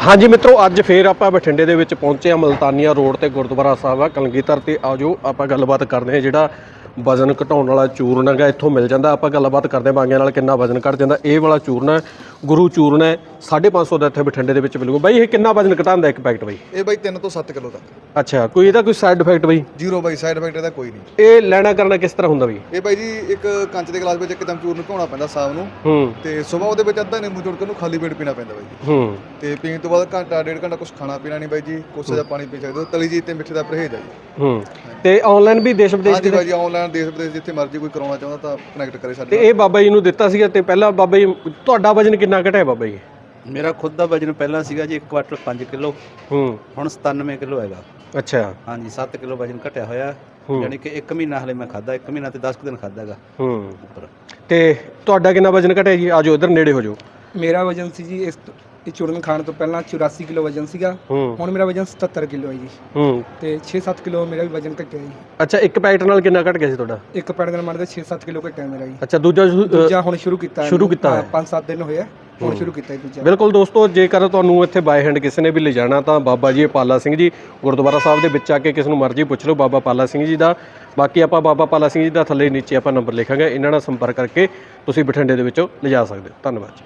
हाँ जी मित्रों, अज फिर आप बठिंडे दे विच पहुंचे मुल्तानिया रोड ते गुरुद्वारा साहब आ कलगीधर ते आजो आप गलबात करते हैं। जिहड़ा वजन घटाउण वाला चूर्ण है इत्थों मिल जाता। आप गलबात करते बांगियां नाल किन्ना वजन घट जाता। ये वाला चूर्ण है गुरु चूर्ण है 550 का इत्थे बठिंडे दे विच मिलूगा। बई ये किन्ना वजन घटांदा एक पैकेट बई? ये भाई 3 ਤੋਂ 7 किलो तक। अच्छा, कोई ਇਹਦਾ ਕੋਈ ਸਾਈਡ ਇਫੈਕਟ ਬਈ? जीरो भाई साइड इफेक्ट ਇਹਦਾ ਕੋਈ ਨਹੀਂ। ਇਹ ਲੈਣਾ ਕਰਨਾ ਕਿਸ ਤਰ੍ਹਾਂ ਹੁੰਦਾ ਬਈ? ਇਹ ਭਾਈ ਜੀ ਇੱਕ ਕੰਚ ਦੇ ਗਲਾਸ ਵਿੱਚ ਇੱਕਦਮ ਚੂਰਨ ਘੋਣਾ ਪੈਂਦਾ ਸ਼ਾਮ ਨੂੰ ਤੇ ਸਵੇਰ ਉਹਦੇ ਵਿੱਚ ਅੱਧਾ ਨਿੰਬੂ ਜੋੜ ਕੇ ਉਹਨੂੰ ਖਾਲੀ ਪੇਟ ਪੀਣਾ ਪੈਂਦਾ ਬਾਈ ਜੀ। ਤੇ ਪੀਣ ਤੋਂ ਬਾਅਦ ਘੰਟਾ ਡੇਢ ਘੰਟਾ ਕੁਝ ਖਾਣਾ ਪੀਣਾ ਨਹੀਂ ਬਾਈ ਜੀ। ਕੋਸੇ ਦਾ ਪਾਣੀ ਪੀ ਸਕਦੇ ਹੋ। ਤਲੀ ਜੀ ਤੇ ਮਿੱਠੇ ਦਾ ਪਰਹੇਜ਼ ਹੈ ਜੀ। ਤੇ ਆਨਲਾਈਨ ਵੀ ਦੇਸ਼ ਵਿਦੇਸ਼ ਹਾਂਜੀ ਬਾਈ ਜੀ, ਆਨਲਾਈਨ ਦੇਸ਼ ਵਿਦੇਸ਼ ਜਿੱਥੇ ਮਰਜ਼ੀ ਕੋਈ ਕਰਾਉਣਾ ਚਾਹੁੰਦਾ ਤਾਂ ਕਨੈਕਟ ਕਰੇ ਸਾਡੇ ਨਾਲ। ਤੇ ਇਹ ਬਾਬਾ ਜੀ ਨੂੰ ਦਿੱਤਾ ਸੀਗਾ ਤੇ ਪਹਿਲਾਂ ਬਾਬਾ ਜੀ ਤੁਹਾਡਾ ਵਜਨ ਕਿੰਨਾ ਘਟਿਆ ਬਾਬਾ ਜੀ? मेरा खुद का वजन पहला सीगा जी 1 क्वार्टर 5 किलो हुण 97 किलो हैगा। अच्छा हाँ जी 7 किलो वजन घटिया होया। यानी कि 1 महीना हले मैं खादा 1 महीना ते 10 दिन खादा हैगा उपर। ਤੇ ਤੁਹਾਡਾ ਕਿੰਨਾ ਵਜਨ ਘਟਿਆ ਜੀ? ਆਜੋ ਇਧਰ ਨੇੜੇ ਹੋ ਜਾਓ। ਮੇਰਾ ਵਜਨ ਸੀ ਜੀ ਇਸ ਚੂਰਨ ਖਾਣ ਤੋਂ ਪਹਿਲਾਂ 84 ਕਿਲੋ ਵਜਨ ਸੀਗਾ। ਹੁਣ ਮੇਰਾ ਵਜਨ 77 ਕਿਲੋ ਹੈ ਜੀ। ਤੇ 6-7 ਕਿਲੋ ਮੇਰਾ ਵੀ ਵਜਨ ਘਟਿਆ ਜੀ। ਅੱਛਾ, ਇੱਕ ਪੈਕਟ ਨਾਲ ਕਿੰਨਾ ਘਟ ਗਿਆ ਸੀ ਤੁਹਾਡਾ? ਇੱਕ ਪੈਕਟ ਨਾਲ ਮੰਨਦੇ 6-7 ਕਿਲੋ ਘਟਿਆ ਮੇਰਾ ਜੀ। ਅੱਛਾ, ਦੂਜਾ ਹੁਣ ਸ਼ੁਰੂ ਕੀਤਾ 5-7 ਦਿਨ ਹੋਏ ਹੁਣ ਸ਼ੁਰੂ ਕੀਤਾ ਜੀ ਦੂਜਾ। ਬਿਲਕੁਲ ਦੋਸਤੋ, ਜੇਕਰ ਤੁਹਾਨੂੰ ਇੱਥੇ ਬਾਏ ਹੈਂਡ ਕਿਸੇ ਨੇ ਵੀ ਲਿਜਾਣਾ ਤਾਂ ਬਾਬਾ ਜੀ ਪਾਲਾ ਸਿੰਘ ਜੀ ਗੁਰਦੁਆਰਾ ਸਾਹਿਬ ਦੇ ਵਿੱਚ ਆ ਕੇ ਕਿਸ ਨੂੰ ਮਰਜ਼ੀ ਪੁੱਛ ਲਓ ਬਾਬਾ ਪਾਲਾ ਸਿੰਘ ਜੀ ਦਾ। ਬਾਕੀ ਆਪਾਂ ਬਾਬਾ ਪਾਲਾ ਸਿੰਘ ਜੀ ਦਾ ਥੱਲੇ ਨੀਚੇ ਆਪਾਂ ਨੰਬਰ ਲਿਖਾਂਗੇ, ਇਹਨਾਂ ਨਾਲ ਸੰਪਰਕ ਕਰਕੇ ਤੁਸੀਂ ਬਠਿੰਡੇ ਦੇ ਵਿੱਚੋਂ ਲਿਜਾ ਸਕਦੇ ਹੋ। ਧੰਨਵਾਦ।